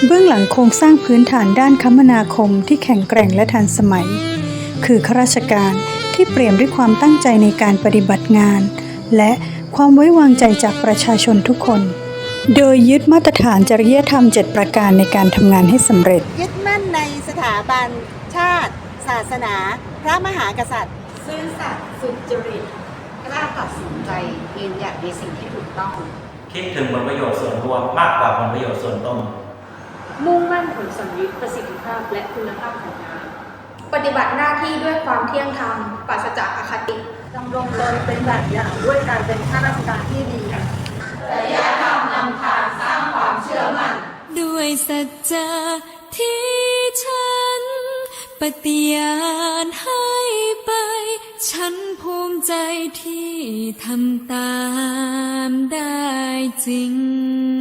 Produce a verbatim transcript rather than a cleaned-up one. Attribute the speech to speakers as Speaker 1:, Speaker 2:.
Speaker 1: เบื้องหลังโครงสร้างพื้นฐานด้านคมนาคมที่แข็งแกร่งและทันสมัยคือข้าราชการที่เปี่ยมด้วยความตั้งใจในการปฏิบัติงานและความไว้วางใจจากประชาชนทุกคนโดยยึดมาตรฐานจริยธรรมเจ็ดประการในการทำงานให้สำเร็จ
Speaker 2: ยึดมั่นในสถาบันชาติศาสนาพระมหากษัตริย์
Speaker 3: ซื่อสัตย์สุจริตกล้าตัดสินใจยืนหยัดในสิ่งที่ถูกต้อง
Speaker 4: คิดถึงผลประโยชน์ส่วนรวมมากกว่าผลประโยชน์ส่วนตน
Speaker 5: มุ่งมั่นผลสำลิดประสิทธิภาพและคุณภาพของงานปฏิบัติหน้าที่ด้วยความเที่ยงธรรมปราศจากอคติ
Speaker 6: ดำรงตนเป็นแบบอย่างด้วยการเป็นข้าราชการที่ดี
Speaker 7: จริยธรรมนำทางสร้างความเชื่อมั่น
Speaker 8: ด้วยสัจจะที่ฉันปฏิญาณให้ไปฉันภูมิใจที่ทำตามได้จริง